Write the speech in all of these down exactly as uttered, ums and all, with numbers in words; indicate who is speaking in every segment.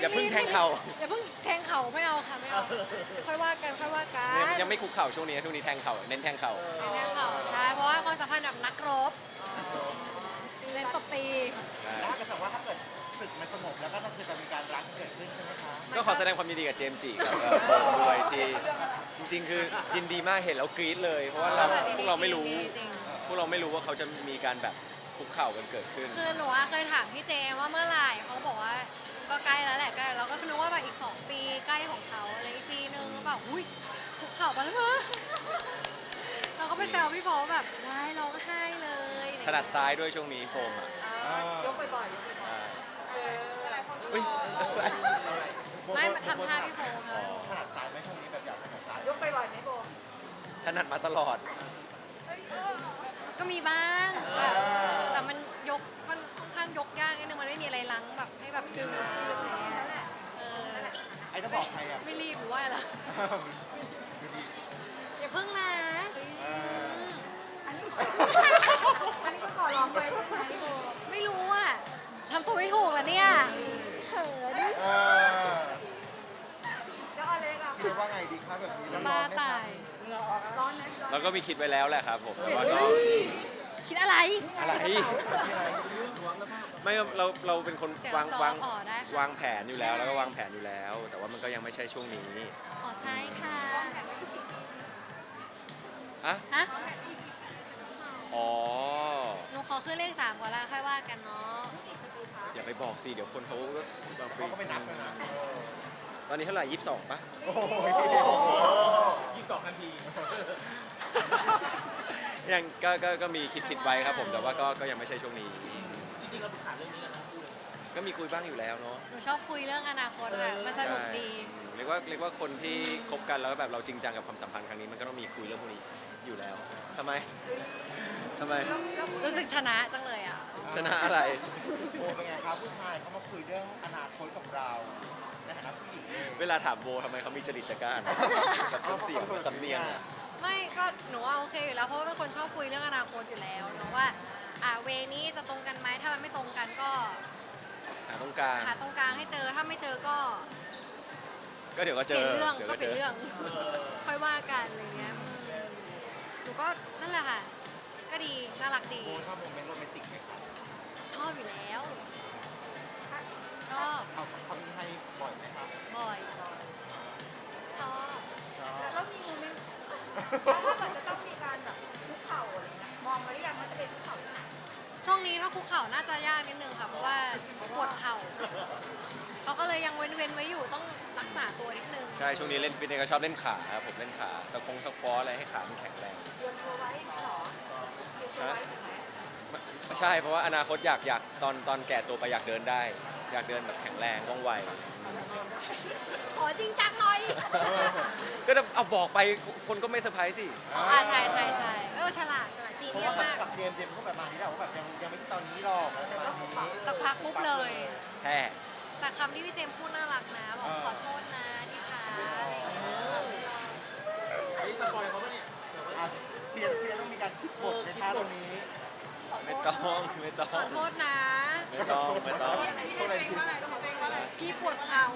Speaker 1: อย่าเพิ่งแทงเข่า
Speaker 2: อย่าเพิ่งแทงเข่าไม่เอาค่ะไม่เอาค่อยว่ากันค่อยว่ากัน
Speaker 1: ยังไม่คุกเข่าช่วงนี้ช่วงนี้แทงเข่าเน้นแทงเข่า
Speaker 2: แทงเข่าใช่เพราะว่าความสัมพันธ์แบบนักรบเน้นตบตี
Speaker 3: แล้วถ้าเกิดสมมติว่าถ้าเกิดศึกมันสงบแล้วก็คือจะมีการรักเกิดขึ้นใช่ไหมคะ
Speaker 1: ก็ขอแสดงความยินดีกับเจมส์จิกับเอ่อโฟมด้วยที่จริงๆ คือยินดีมากเห็นแล้วกรี๊ดเลย เพราะว่าเราพวกเราไม่รู้
Speaker 2: จริง
Speaker 1: พวกเราไม่รู้ว่าเขาจะมีการแบบคุกเข่ากันเกิดขึ้น
Speaker 2: คือหนูอะเคยถามพี่เจมว่าเมื่อไหร่เขาบอกว่าก็ใกล้แล้วแหละใกล้เราก็นึกว่าแบบอีกสองปีใกล้ของเขาอะไรอีกปีนึงแล้วแบบอุ้ยคุกเข่าไปแล้วเนอะเราก็ไปแซวพี่โฟว่าแบบว้ายร้องไห้เลย
Speaker 1: ถนัดซ้ายด้วยช่วงนี้โฟมอ่ะ
Speaker 2: ยกบ่อย
Speaker 1: ใช่
Speaker 2: ๆ
Speaker 1: อุ๊ย
Speaker 2: ไม่มาทำท่าพี่โฟม
Speaker 1: อ๋อ
Speaker 3: ถนัดซ้ายไหมช่วงนี้แบบอยากถนัดซ้าย
Speaker 2: ยกบ่อยๆไหมโฟม
Speaker 1: ถนัดมาตลอด
Speaker 2: ก็มีบ้างแบบแต่มันยกค่อนค่อนข้างยกยากนิดนึงมันไม่มีอะไรลังแบบให้แบบดึงขึ้นอะไรเงี้ยเออ
Speaker 3: ไอ้ถ้าบอกใครอ่ะ
Speaker 2: ไม่รีบหรือว่าอะไรอย่าเพิ่งนะ อันนี้ก็ขอร้องไปใช่ไหมโบไม่รู้อ่ะทำตัวไม่ถูกแล้วเนี่ยเขิน
Speaker 3: เออ
Speaker 2: แล้วอะไรกัน
Speaker 3: คิดว่าไงดีครับแบบนี้แล้วร้
Speaker 2: บ้า
Speaker 3: อนไหม
Speaker 2: ตา
Speaker 3: คะ
Speaker 2: ยร้อนนะ
Speaker 1: เราก็มีคิดไว้แล้วแหละครับผมแต่ว่าก็
Speaker 2: คิดอะไร
Speaker 1: อะไร ไม่เราเราเป็นคน
Speaker 2: เสียง
Speaker 1: วาง
Speaker 2: ซอฟ
Speaker 1: วาง
Speaker 2: อ๋อได้ค่ะ
Speaker 1: วางแผนอยู่แล้วแล้วก็วางแผนอยู่แล้ว แต่ว่ามันก็ยังไม่ใช่ช่วงนี้
Speaker 2: อ๋อใช่ค่ะ
Speaker 1: อะ
Speaker 2: ฮะ
Speaker 1: อ๋อ
Speaker 2: หนูขอขึ้นเลขสามก่อนแล้วค่อยว่ากันเนาะ
Speaker 1: อย่าไปบอกสิเดี๋ยวคนเขาก็แบบ
Speaker 3: เขาก็ไม่นับเลยนะ
Speaker 1: ตอนนี้เท่าไหร่ยี่สิบสองปะ
Speaker 3: โอ้โหยี่สิบสองนาที
Speaker 1: ยังก็ก็ก็มีคิดคิดไว้ครับผมแต่ว่าก็ก็ยังไม่ใช่ช่วงนี้
Speaker 3: จริงๆเราปรึกษาเรื่องนี้กันนะพูดเลย
Speaker 1: ก็มีคุยบ้างอยู่แล้วเนาะ
Speaker 2: หนูชอบคุยเรื่องอนาคตค่ะมันสนุกดี
Speaker 1: อืมเรียกว่าเรียกว่าคนที่คบกันแล้วแบบเราจริงจังกับความสัมพันธ์ครั้งนี้มันก็ต้องมีคุยเรื่องพวกนี้อยู่แล้วทำไมทำไม
Speaker 2: รู้สึกชนะจังเลยอ่ะ
Speaker 1: ชนะอะไร
Speaker 3: โบเป็นไงครับผู้ชายเขามาคุยเรื่องอนาคตกับเราในฐานะผู้หญิงเอง
Speaker 1: เวลาถามโบทำไมเขามีจริตจักร้านกับน้ำเสียงสำเนียงอะ
Speaker 2: ไม่ก็หนูว่าโอเคอยู่แล้วเพราะว่าเป็นคนชอบคุยเรื่องอนาคตอยู่แล้วเนาะว่าอ่าเวนี้จะตรงกันไหมถ้ามันไม่ตรงกันก็
Speaker 1: หาตรงกลาง
Speaker 2: หาตรงกลางให้เจอถ้าไม่เจอก็
Speaker 1: ก็เดี๋ยวก็
Speaker 2: เป
Speaker 1: เจ
Speaker 2: ลี่ย
Speaker 1: อน
Speaker 2: เรื่อง
Speaker 1: เดี๋ยว
Speaker 2: ก็
Speaker 1: ก็
Speaker 2: เป
Speaker 1: เจ
Speaker 2: ลี่ยน
Speaker 1: อ
Speaker 2: เรื่องค่อยว่ากันอะไรเงี้ยอืมหนูก็นั่นแหละค่ะ ก็ดีน่ารักดี
Speaker 3: โบชอบโมเมนต์โรแมนติกไหมครับ
Speaker 2: ชอบอยู่แล้ว ชอบ
Speaker 3: เขาเขามีให้บ่อยไหมครับ
Speaker 2: บ่อยชอบ
Speaker 3: ชอบ
Speaker 4: แล้วมีโมเมนต์แล้วถ้าเกิดจะต้องมีการแบบคุกเข่าอะไรเงี้ยมองไว้หรือยังว่าจะเป็นคุกเข่าที่ไหน
Speaker 2: ช่วงนี้ถ้าคุกเข่าน่าจะยากนิดนึงค่ะเพราะว่าปวดเข่าเขาก็เลยยังเว้นๆไว้อยู่ต้องรักษาตัวนิดนึง
Speaker 1: ใช่ช่วงนี้เล่นฟิตเนสก็ชอบเล่นขาครับผมเล่นขาสควงสควอตอะไรให้ขามันแข็งแรง
Speaker 4: เตรียมตัวไว้อย่างเงี้ยเหรอเตรียมตัวไว้ถูกไหม
Speaker 1: ใช่เพราะว่าอนาคตอยากอยากตอนตอนแก่ตัวไปอยากเดินได้ อยากเดินแบบแข็งแรงว่องไว
Speaker 2: ขอจริงจังหน่อย
Speaker 1: ก็เอาบอกไปคนก็ไม่เซอร์ไพรส์สิ
Speaker 2: อ๋ออ่าใช่ใช่ใช่เออฉลาดฉลาดจี
Speaker 3: เพราะ
Speaker 2: เนีย
Speaker 3: ว่า
Speaker 2: สมาก
Speaker 3: กับเจมส์เจมส์ก็แบบมาที่เราว่าแบบยังยังไม่ใช่ตอนนี้หรอกอะไรประมาณนี้
Speaker 2: สักพักปุ๊บเลย
Speaker 1: แท้
Speaker 2: แต่คำที่พี่เจมส์พูดน่ารักนะ บอกขอโทษนะที่ช้าอะไรอย่างเงี้ย
Speaker 3: ไอ้สปอยเขาปะเนี่ยเพียรเพียรต้องมีการคิดบทในท่าตรงนี้
Speaker 1: ไม่ต้องไม่ต้อง
Speaker 2: ขอโทษนะ
Speaker 1: ไม่ต้องไม่ต้อง
Speaker 3: เท่าไหร่ที่
Speaker 2: พี่ปวดเข่า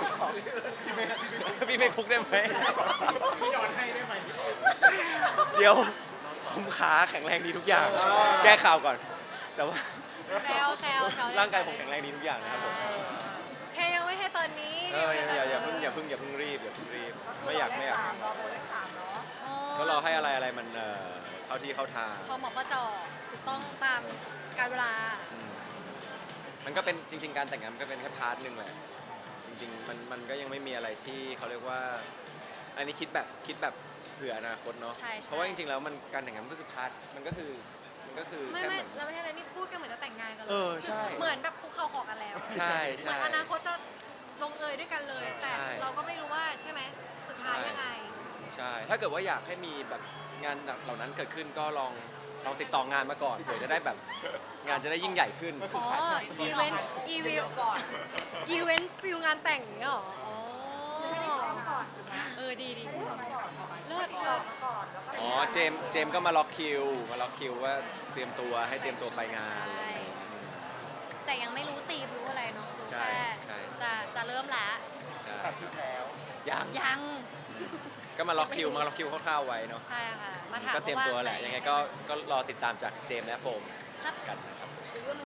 Speaker 1: พี่ไม่คุกได้ไหม
Speaker 3: พี่นอนให้ได้ไหม
Speaker 1: เดี๋ยวผมขาแข็งแรงดีทุกอย่าง แก้ข่าวก่อน แต่ว่า
Speaker 2: แซวแซวแซว
Speaker 1: ร่างกายผมแข็งแรงดีทุกอย่างนะครับผม
Speaker 2: แค่ยังไม่ให้ตอนนี้
Speaker 1: เอออย่าอย่าอย่าเพิ่งอย่าเพิ่งอย่าเพิ่งรีบอย่าเพิ่งรีบไม่อยากไม่อยาก
Speaker 4: รอโบเลขสามเนาะ
Speaker 2: อ๋อ
Speaker 1: ก็รอให้อะไรอะไรมันเอ่อเข้าที่เข้าทาง
Speaker 2: พอหมอประจอถูกต้องตามการเวลา
Speaker 1: อืมมันก็เป็นจริง ๆ การแต่งงานมันก็เป็นแค่พาร์ทหนึ่งแหละจริงๆมันมันก็ยังไม่มีอะไรที่เขาเรียกว่า อันนี้คิดแบบคิดแบบเผื่ออนาคตเนาะ
Speaker 2: ใช่ใช่
Speaker 1: เพราะว่าจริงๆแล้วมันการแต่งงานมันก็คือพาร์ทมันก็คือมันก็คือ
Speaker 2: ไม่
Speaker 1: แค่
Speaker 2: ไม่
Speaker 1: เหมือน
Speaker 2: เราไม่ใช่อะไรนี่พูดกันเหมือนจะแต่งงานกันเล
Speaker 1: เอย อใช่
Speaker 2: เหมือนแบบคุกเข่าขอกันแล้ว
Speaker 1: ใช่
Speaker 2: เหมื
Speaker 1: ใช่
Speaker 2: อนอนาคตจะลงเอยด้วยกันเลย แต่
Speaker 1: ใช่
Speaker 2: เราก็ไม่รู้ว่าใช่ไหมสุดท้ายยังไง
Speaker 1: ใช่ ถ้าเกิดว่าอยากให้มีแบบงานเหล่านั้นเกิดขึ้นก็ลองลองติดต่องานมาก่อนเผื่อจะได้แบบงานจะได้ยิ่งใหญ่ขึ้น
Speaker 2: อ๋อ อีเวนต์ อีเวนต์ก่อน อีเวนต์ฟิลงานแต่งอย่างเงี้ยเหรอ อ๋อ เออ ดีดีเลิศเลิศ
Speaker 1: อ๋อ เจมส์เจมส์ก็มาล็อกคิว มาล็อกคิวว่าเตรียมตัวให้เตรียมตัวไปงานอะไรอย่างเงี้ย
Speaker 2: แต่ยังไม่รู้ตีมรู้อะไรเนาะรู้
Speaker 1: ใช่
Speaker 2: แค่
Speaker 1: ใช่
Speaker 2: จะจะเริ่ม
Speaker 3: ตัดชุดแล้ว
Speaker 1: ยัง
Speaker 2: ยัง
Speaker 1: ก็มาล็อกคิวมาล็อกคิวคร่าวๆไว้เนาะ
Speaker 2: ใช่ค่ะ มาถาม
Speaker 1: ก็เตรียมตัวแหละ
Speaker 2: าา
Speaker 1: ยังไงก็ก็รอติดตามจากเจมส์และโฟม
Speaker 2: ครับ
Speaker 1: กันนะครับ